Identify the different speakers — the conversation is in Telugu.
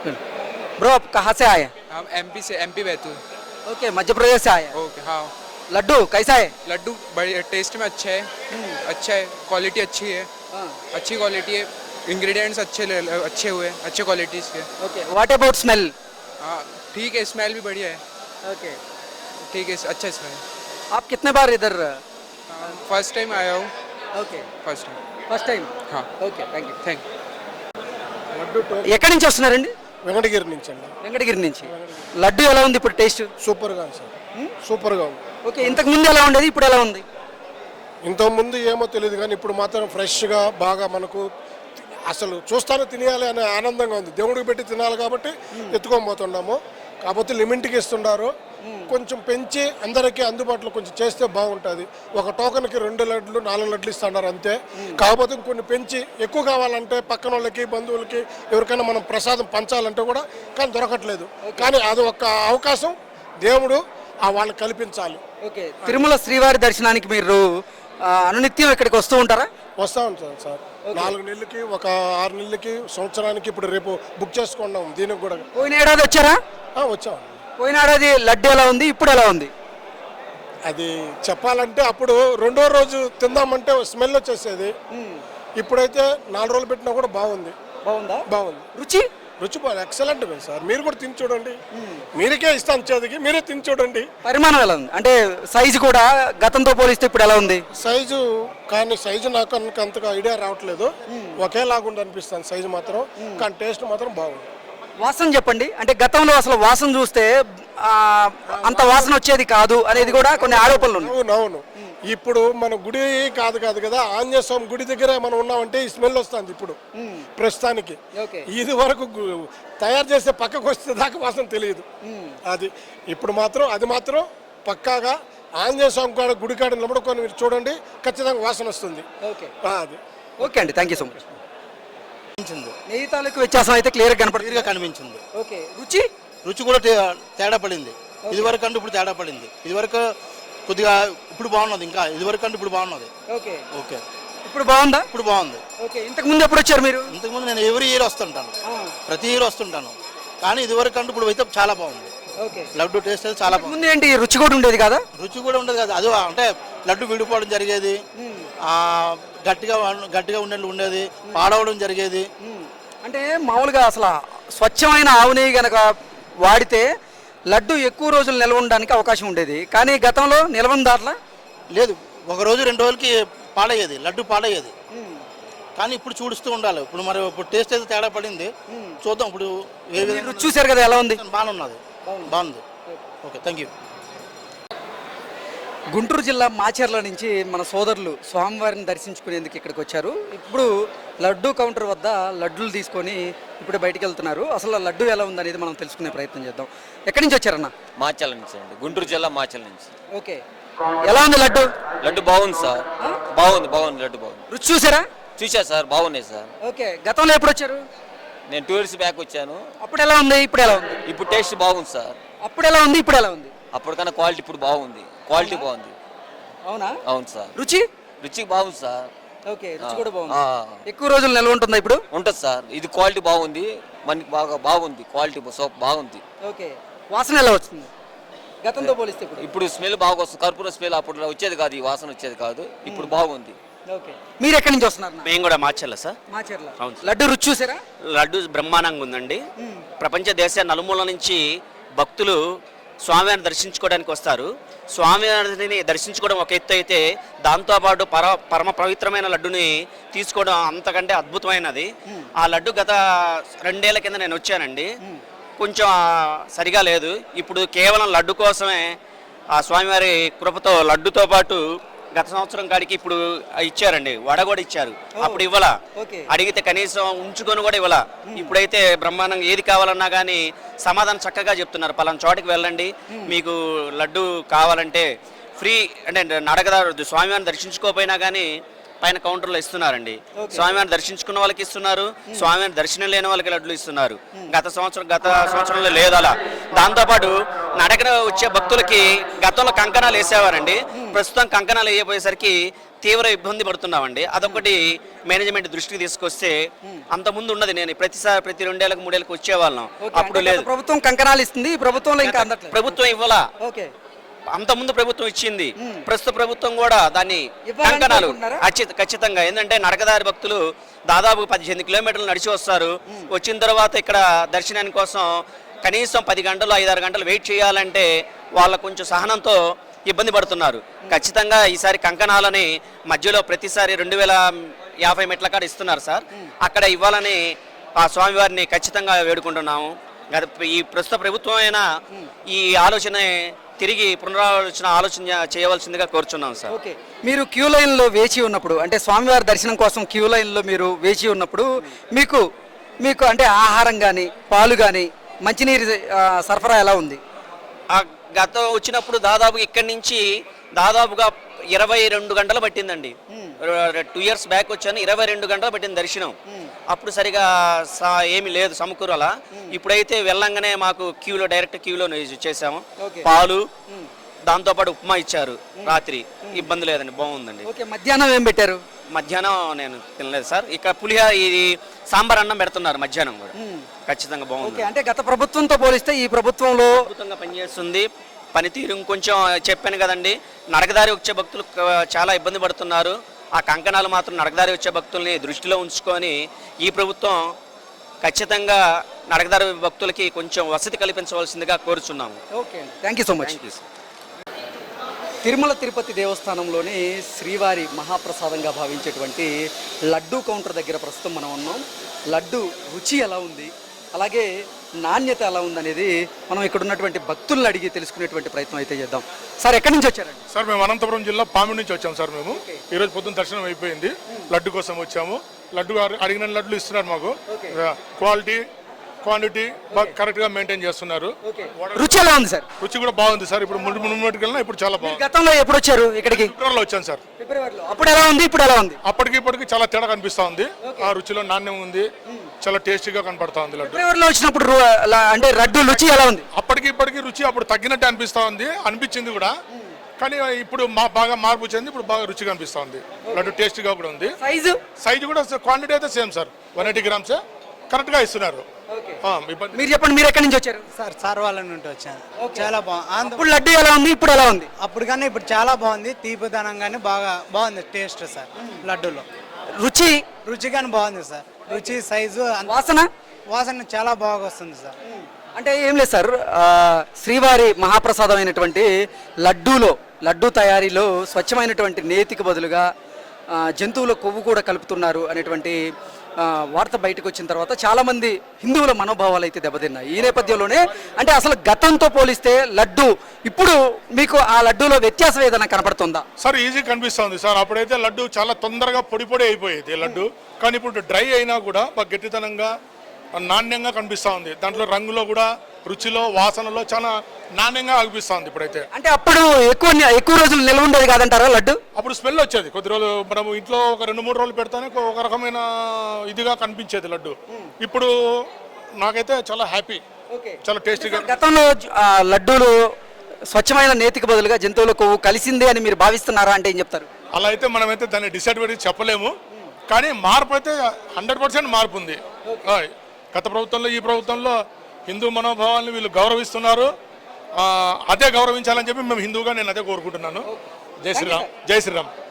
Speaker 1: ब्रो आप कहाँ से आए?
Speaker 2: हम एमपी से, एमपी बैतूल।
Speaker 1: ओके, मध्य प्रदेश से आए।
Speaker 2: ओके हाँ।
Speaker 1: लड्डू कैसा है?
Speaker 2: लड्डू बढ़िया, टेस्ट में अच्छा है, अच्छा है, क्वालिटी अच्छी है, अच्छी क्वालिटी है, इंग्रेडिएंट्स अच्छे हुए, अच्छे क्वालिटीज़ के।
Speaker 1: Okay, what about smell?
Speaker 2: हाँ ठीक है, स्मेल भी बढ़िया है,
Speaker 1: ओके,
Speaker 2: ठीक है, अच्छा स्मेल।
Speaker 1: आप कितने बार इधर?
Speaker 2: फर्स्ट टाइम आया हूँ,
Speaker 1: okay,
Speaker 2: first time.
Speaker 1: First time.
Speaker 2: हाँ
Speaker 1: ఓకే, థ్యాంక్ యూ.
Speaker 2: थैंक
Speaker 1: ఎక్కడి నుంచి వస్తున్నారండి?
Speaker 3: వెంకటగిరి నుంచి అండి.
Speaker 1: వెంకటగిరి నుంచి. లడ్డు ఎలా ఉంది ఇప్పుడు టేస్ట్?
Speaker 3: సూపర్గా ఉంది సార్, సూపర్గా ఉంది.
Speaker 1: ఓకే, ఇంతకు ముందు ఎలా ఉండేది, ఇప్పుడు ఎలా ఉంది?
Speaker 3: ఇంతకుముందు ఏమో తెలియదు కానీ ఇప్పుడు మాత్రం ఫ్రెష్గా బాగా మనకు అసలు చూస్తానే తినేయాలి అనే ఆనందంగా ఉంది. దేవుడికి పెట్టి తినాలి కాబట్టి ఎత్తుకొని పోతున్నాము. కాకపోతే లిమిట్కి ఇస్తున్నారు, కొంచెం పెంచి అందరికీ అందుబాటులో కొంచెం చేస్తే బాగుంటుంది. ఒక టోకన్కి 2 లడ్లు 4 లడ్లు ఇస్తున్నారు అంతే. కాకపోతే కొన్ని పెంచి ఎక్కువ కావాలంటే పక్కన వాళ్ళకి బంధువులకి ఎవరికైనా మనం ప్రసాదం పంచాలంటే కూడా కానీ దొరకట్లేదు. కానీ అది ఒక అవకాశం దేవుడు వాళ్ళకి కల్పించాలి.
Speaker 1: ఓకే, తిరుమల శ్రీవారి దర్శనానికి మీరు అనునిత్యం ఇక్కడికి వస్తూ ఉంటారా?
Speaker 3: వస్తూ ఉంటాను సార్, 4 నెలలకి, ఒక 6 నెలలకి, సంవత్సరానికి. ఇప్పుడు రేపు బుక్ చేసుకున్నాం దీనికి కూడా.
Speaker 1: పోయిన ఏడాది వచ్చారా?
Speaker 3: వచ్చాం.
Speaker 1: పోయిన ఏడాది లడ్డు ఎలా ఉంది, ఇప్పుడు ఎలా ఉంది?
Speaker 3: అది చెప్పాలంటే అప్పుడు 2వ రోజు తిందామంటే స్మెల్ వచ్చేసేది. ఇప్పుడైతే 4 రోజులు పెట్టినా కూడా బాగుంది.
Speaker 1: బాగుందా?
Speaker 3: బాగుంది.
Speaker 1: రుచి
Speaker 3: బాగా ఎక్సలెంట్ సార్. మీరు కూడా తిని చూడండి, మీరికే ఇస్తాను చేతికి, మీరే తిని చూడండి.
Speaker 1: పరిమాణం ఎలా ఉంది, అంటే సైజు కూడా గతంతో పోలిస్తే ఇప్పుడు ఎలా ఉంది?
Speaker 3: సైజు కానీ సైజు నాకు అంతగా ఐడియా రావట్లేదు, ఒకేలాగుండి అనిపిస్తుంది సైజు మాత్రం. కానీ టేస్ట్ మాత్రం బాగుంది.
Speaker 1: వాసన చెప్పండి, అంటే గతంలో అసలు వాసన చూస్తే అంత వాసన వచ్చేది కాదు అనేది కూడా కొన్ని ఆరోపణలు ఉన్నాయి.
Speaker 3: అవునవును. ఇప్పుడు మన గుడి కాదు కదా, ఆంజనేయ స్వామి గుడి దగ్గర మనం ఉన్నామంటే ఈ స్మెల్ వస్తుంది ఇప్పుడు ప్రస్తుతానికి. ఇది వరకు తయారు చేసే పక్కకు వస్తే దాకా వాసన తెలియదు. అది ఇప్పుడు మాత్రం అది మాత్రం పక్కాగా ఆంజనేయ స్వామి కాడ గుడి కాడ నిలబడుకొని మీరు చూడండి, ఖచ్చితంగా వాసన వస్తుంది. అది
Speaker 1: ఓకే అండి, థ్యాంక్ యూ సో మచ్. నెయ్యి తాలూకు వ్యత్యాసం అయితే క్లియర్గా
Speaker 4: కనిపించింది.
Speaker 1: ఓకే, రుచి
Speaker 4: కూడా తేడా పడింది. ఇది వరకు అంటే ఇప్పుడు తేడా పడింది. ఇది వరకు కొద్దిగా ఇప్పుడు బాగున్నది, ఇంకా ఇది వరకు అంటే ఇప్పుడు బాగున్నది.
Speaker 1: ఓకే
Speaker 4: ఓకే,
Speaker 1: ఇప్పుడు బాగుందా?
Speaker 4: ఇప్పుడు బాగుంది.
Speaker 1: ఓకే, ఇంతకు ముందు ఎప్పుడు వచ్చారు మీరు?
Speaker 4: ఇంతకు ముందు నేను ఎవ్రీ ఇయర్ వస్తుంటాను, ప్రతి ఇయర్ వస్తుంటాను. కానీ ఇది వరకు అంటే ఇప్పుడు అయితే చాలా బాగుంది.
Speaker 1: ఓకే,
Speaker 4: లడ్డు టేస్ట్ అయితే చాలా బాగుంది.
Speaker 1: ముందు ఏంటి రుచి కూడా ఉండేది కదా?
Speaker 4: రుచి కూడా ఉండేది కదా, అది అంటే లడ్డు విడిపోవడం జరిగేది, గట్టిగా ఉండేది, పాడవడం జరిగేది.
Speaker 1: అంటే మామూలుగా అసలు స్వచ్ఛమైన ఆవు నెయ్యి కనుక వాడితే లడ్డు ఎక్కువ రోజులు నిల్వ ఉండడానికి అవకాశం ఉండేది. కానీ గతంలో నిల్వ దాంట్లో
Speaker 4: లేదు, 1 రోజు 2 రోజులకి పాడయ్యేది, లడ్డు పాడయ్యేది. కానీ ఇప్పుడు చూడుస్తూ ఉండాలి. ఇప్పుడు మరి ఇప్పుడు టేస్ట్ అయితే తేడా పడింది, చూద్దాం. ఇప్పుడు ఏ విధంగా
Speaker 1: రుచి చూసారు కదా, ఎలా ఉంది?
Speaker 4: బాగుంది. Okay, thank you.
Speaker 1: గుంటూరు జిల్లా మాచర్ల నుంచి మన సోదరులు స్వామివారిని దర్శించుకునేందుకు ఇక్కడికి వచ్చారు. ఇప్పుడు లడ్డు కౌంటర్ వద్ద లడ్డూలు తీసుకొని ఇప్పుడు బయటికి వెళ్తున్నారు. అసలు లడ్డు ఎలా ఉందనేది మనం తెలుసుకునే ప్రయత్నం చేద్దాం. ఎక్కడి నుంచి వచ్చారన్న?
Speaker 5: మాచర్ల నుంచి అండి, గుంటూరు జిల్లా మాచర్ల నుంచి.
Speaker 1: ఓకే, ఎలా ఉంది లడ్డు?
Speaker 5: లడ్డు బాగుంది సార్, బాగుంది లడ్డు బాగుంది.
Speaker 1: రుచి చూసారా?
Speaker 5: చూసా సార్, బాగున్నాయి సార్.
Speaker 1: ఓకే, గతంలో ఎప్పుడు వచ్చారు?
Speaker 5: నేను 2 ఇయర్స్ బ్యాక్ వచ్చాను.
Speaker 1: అప్పుడు ఎలా ఉంది, ఇప్పుడు ఎలా ఉంది?
Speaker 5: ఇప్పుడు టేస్ట్ బాగుంది సార్.
Speaker 1: అప్పుడు ఎలా ఉంది, ఇప్పుడు ఎలా ఉంది?
Speaker 5: అప్పటికన్నా క్వాలిటీ ఇప్పుడు బాగుంది, క్వాలిటీ బాగుంది.
Speaker 1: అవునా?
Speaker 5: అవును సార్.
Speaker 1: రుచి
Speaker 5: బాగుంది సార్.
Speaker 1: ఓకే, రుచి కూడా బాగుంది. ఎక్కువ రోజులు నిల్వ ఉంటుందా ఇప్పుడు?
Speaker 5: ఉంటుంది సార్. ఇది క్వాలిటీ బాగుంది, మనకి బాగుంది, క్వాలిటీ సోప్ బాగుంది.
Speaker 1: ఓకే, వాసన ఎలా వస్తుంది గతంతో పోలిస్తే?
Speaker 5: ఇప్పుడు స్మెల్ బాగా వస్తుంది, కర్పూర స్మెల్ అప్పుడు వచ్చేది కాదు, ఈ వాసన వచ్చేది కాదు, ఇప్పుడు బాగుంది.
Speaker 1: ఓకే, మీరు ఎక్కడి నుంచి వస్తున్నారు?
Speaker 6: మేము కూడా మాచర్ల సార్.
Speaker 1: మాచర్ల. లడ్డు రుచి చూసారా?
Speaker 6: లడ్డు బ్రహ్మాండంగా ఉందండి. ప్రపంచ దేశ నలుమూల నుంచి భక్తులు స్వామివారిని దర్శించుకోవడానికి వస్తారు. స్వామివారిని దర్శించుకోవడం ఒక ఎత్తు అయితే, దాంతోపాటు పరమ పవిత్రమైన లడ్డుని తీసుకోవడం అంతకంటే అద్భుతమైనది. ఆ లడ్డు గత 2 ఏళ్ల కింద నేను వచ్చానండి, కొంచెం సరిగా లేదు. ఇప్పుడు కేవలం లడ్డు కోసమే ఆ స్వామివారి కృపతో లడ్డుతో పాటు గత సంవత్సరం కాడికి ఇప్పుడు ఇచ్చారండి, వడ కూడా ఇచ్చారు. అప్పుడు ఇవ్వాల, అడిగితే కనీసం ఉంచుకొని కూడా ఇవ్వాల. ఇప్పుడైతే బ్రహ్మాండంగా ఏది కావాలన్నా కానీ సమాధానం చక్కగా చెప్తున్నారు. పలానా చోటికి వెళ్ళండి, మీకు లడ్డు కావాలంటే ఫ్రీ, అంటే నడకదారు స్వామివారిని దర్శించుకోకపోయినా కానీ పైన కౌంటర్లో ఇస్తున్నారండి. స్వామివారిని దర్శించుకున్న వాళ్ళకి ఇస్తున్నారు, స్వామివారిని దర్శనం లేని వాళ్ళకి లడ్లు ఇస్తున్నారు. గత సంవత్సరంలో లేదు అలా. దాంతోపాటు నడకన వచ్చే భక్తులకి గతంలో కంకణాలు వేసేవారండి. ప్రస్తుతం కంకణాలు వేయబోయేసరికి తీవ్ర ఇబ్బంది పడుతున్నామండి. అదొకటి మేనేజ్మెంట్ దృష్టికి తీసుకొస్తే, అంత ముందు ఉన్నది నేను ప్రతిసారి ప్రతి 2 ఏళ్ళకి 3 ఏళ్ళకి వచ్చేవాళ్ళం, అప్పుడు లేదు.
Speaker 1: ప్రభుత్వం కంకణాలు ఇస్తుంది, ఈ ప్రభుత్వంలో ఇంకా అందట్లేదు.
Speaker 6: ప్రభుత్వం ఇవ్వాలా,
Speaker 1: ఓకే,
Speaker 6: అంత ముందు ప్రభుత్వం ఇచ్చింది, ప్రస్తుత ప్రభుత్వం కూడా దాన్ని కంకణాలు ఖచ్చితంగా. ఏంటంటే నడకదారి భక్తులు దాదాపు 18 కిలోమీటర్లు నడిచి వస్తారు. వచ్చిన తర్వాత ఇక్కడ దర్శనానికి కోసం కనీసం 10 గంటలు 5-6 గంటలు వెయిట్ చేయాలంటే వాళ్ళ కొంచెం సహనంతో ఇబ్బంది పడుతున్నారు. ఖచ్చితంగా ఈసారి కంకణాలని మధ్యలో ప్రతిసారి 2050 మెట్ల కాడ ఇస్తున్నారు సార్, అక్కడ ఇవ్వాలని ఆ స్వామివారిని ఖచ్చితంగా వేడుకుంటున్నాము. ఈ ప్రస్తుత ప్రభుత్వం అయినా ఈ ఆలోచన తిరిగి ఆలోచన చేయవలసిందిగా కోరుచున్నాం సార్.
Speaker 1: ఓకే, మీరు క్యూ లైన్లో వేచి ఉన్నప్పుడు, అంటే స్వామివారి దర్శనం కోసం క్యూ లైన్లో మీరు వేచి ఉన్నప్పుడు మీకు అంటే ఆహారం కానీ పాలు కానీ మంచినీరు సరఫరా ఎలా ఉంది?
Speaker 6: గతం వచ్చినప్పుడు దాదాపు ఇక్కడి నుంచి దాదాపుగా 22 గంటలు పట్టిందండి. 2 ఇయర్స్ బ్యాక్ వచ్చాను, 22 గంటలు పట్టింది దర్శనం. అప్పుడు సరిగా ఏమీ లేదు సమకూరలా. ఇప్పుడైతే వెళ్ళంగానే మాకు డైరెక్ట్ క్యూలో చేసాము. పాలు దాంతోపాటు ఉప్మా ఇచ్చారు రాత్రి, ఇబ్బంది లేదండి, బాగుందండి.
Speaker 1: ఓకే, మధ్యాహ్నం ఏం పెట్టారు?
Speaker 6: మధ్యాహ్నం నేను తినలేదు సార్. ఇక్కడ ఇది సాంబార్ అన్నం పెడుతున్నారు మధ్యాహ్నం కూడా, ఖచ్చితంగా బాగుంది.
Speaker 1: అంటే గత ప్రభుత్వంతో పోలిస్తే ఈ ప్రభుత్వంలో
Speaker 6: అద్భుతంగా పనిచేస్తుంది. పనితీరు కొంచెం చెప్పాను కదండి, నడకదారి వచ్చే భక్తులు చాలా ఇబ్బంది పడుతున్నారు. ఆ కంకణాలు మాత్రం నడకదారి వచ్చే భక్తుల్ని దృష్టిలో ఉంచుకొని ఈ ప్రభుత్వం ఖచ్చితంగా నడకదారి భక్తులకి కొంచెం వసతి కల్పించవలసిందిగా కోరుచున్నాము.
Speaker 1: Okay, thank you so much. Tirumala Tirupati దేవస్థానంలోని శ్రీవారి మహాప్రసాదంగా భావించేటువంటి లడ్డూ కౌంటర్ దగ్గర ప్రస్తుతం మనం ఉన్నాం. లడ్డు రుచి ఎలా ఉంది, అలాగే నాణ్యత ఎలా ఉందనేది మనం ఇక్కడ ఉన్నటువంటి భక్తులను అడిగి తెలుసుకునేటువంటి ప్రయత్నం అయితే చేద్దాం. సార్, ఎక్కడి నుంచి వచ్చారండి?
Speaker 7: సార్, మేము అనంతపురం జిల్లా పామిడి నుంచి వచ్చాము సార్. మేము ఈరోజు పొద్దున్న దర్శనం అయిపోయింది, లడ్డు కోసం వచ్చాము. లడ్డు అడిగిన లడ్లు ఇస్తున్నారు మాకు. క్వాలిటీ క్వాంటిటీ కరెక్ట్ గా మెయింటైన్ చేస్తున్నారు.
Speaker 1: రుచి ఎలా ఉంది సార్?
Speaker 7: రుచి కూడా బాగుంది సార్. ఇప్పుడు ముందుకెళ్ళినా ఇప్పుడు చాలా బాగుంది.
Speaker 1: గతంలో ఎప్పుడు వచ్చారు ఇక్కడికి?
Speaker 7: ఫిబ్రవరిలో వచ్చాను సార్.
Speaker 1: అప్పుడు ఎలా ఉంది, ఇప్పుడు ఎలా ఉంది?
Speaker 7: ఇప్పటికి చాలా తేడా కనిపిస్తా ఉంది. ఆ రుచిలో నాణ్యం ఉంది, చాలా టేస్టీగా కనపడతా ఉంది లడ్డు.
Speaker 1: ఫిబ్రవరిలో వచ్చినప్పుడు అంటే లడ్డు రుచి ఎలా ఉంది?
Speaker 7: ఇప్పటికి రుచి అప్పుడు తగ్గినట్టు అనిపించింది కూడా, కానీ ఇప్పుడు బాగా మార్పు చెంది ఇప్పుడు బాగా రుచిగా అనిపిస్తా ఉంది. లడ్డు టేస్టీగా కూడా ఉంది. సైజు కూడా క్వాంటిటీ అయితే సేమ్ సార్, 180 గ్రామ్స్ కరెక్ట్ గా ఇస్తున్నారు.
Speaker 1: మీరు చెప్పండి, మీరు ఎక్కడి నుంచి వచ్చారు?
Speaker 8: సార్, సార్వాల నుండి వచ్చాను. చాలా బాగుంది.
Speaker 1: ఇప్పుడు లడ్డు ఎలా ఉంది, ఇప్పుడు ఎలా ఉంది?
Speaker 8: అప్పుడు కానీ ఇప్పుడు చాలా బాగుంది. తీపిదనం కానీ బాగుంది టేస్ట్ సార్. లడ్డూలో రుచి కానీ బాగుంది సార్. రుచి, సైజు, వాసన చాలా బాగా వస్తుంది సార్.
Speaker 1: అంటే ఏం లేదు సార్, శ్రీవారి మహాప్రసాదం అయినటువంటి లడ్డూ తయారీలో స్వచ్ఛమైనటువంటి నేతికి బదులుగా జంతువుల కొవ్వు కూడా కలుపుతున్నారు అనేటువంటి వార్త బయటకు వచ్చిన తర్వాత చాలామంది హిందువుల మనోభావాలు అయితే దెబ్బతిన్నాయి. ఈ నేపథ్యంలోనే అంటే అసలు గతంతో పోలిస్తే లడ్డు ఇప్పుడు మీకు ఆ లడ్డూలో వ్యత్యాసం ఏదైనా కనపడుతుందా?
Speaker 7: సార్, ఈజీ కనిపిస్తుంది సార్. అప్పుడైతే లడ్డు చాలా తొందరగా పొడి అయిపోయేది లడ్డు, కానీ ఇప్పుడు డ్రై అయినా కూడా బాగా గట్టితనంగా నాణ్యంగా కనిపిస్తూ ఉంది. దాంట్లో రంగులో కూడా, రుచిలో, వాసనలో చాలా నాణ్యంగా అనిపిస్తూ ఉంది ఇప్పుడైతే.
Speaker 1: అంటే అప్పుడు ఎక్కువ రోజులు నిల్వ ఉండేది కాదంటారా లడ్డు?
Speaker 7: అప్పుడు స్మెల్ వచ్చేది. కొద్ది రోజులు మనం ఇంట్లో ఒక 2-3 రోజులు పెడతానే ఒక రకమైన ఇదిగా కనిపించేది లడ్డు. ఇప్పుడు నాకైతే చాలా హ్యాపీ, చాలా టేస్టీగా.
Speaker 1: గతంలో లడ్డూలు స్వచ్ఛమైన నేతికి బదులుగా జంతువుల కొవ్వు కలిసిందే అని మీరు భావిస్తున్నారా అంటే ఏం చెప్తారు?
Speaker 7: అలా అయితే మనమైతే దాన్ని డిసడ్వాంటేజ్ చెప్పలేము, కానీ మార్పు అయితే 100% మార్పు ఉంది. గత ప్రభుత్వంలో ఈ ప్రభుత్వంలో హిందూ మనోభావాలను వీళ్ళు గౌరవిస్తున్నారు. అదే గౌరవించాలని చెప్పి మేము హిందూగా నేను అదే కోరుకుంటున్నాను. జై శ్రీరామ్.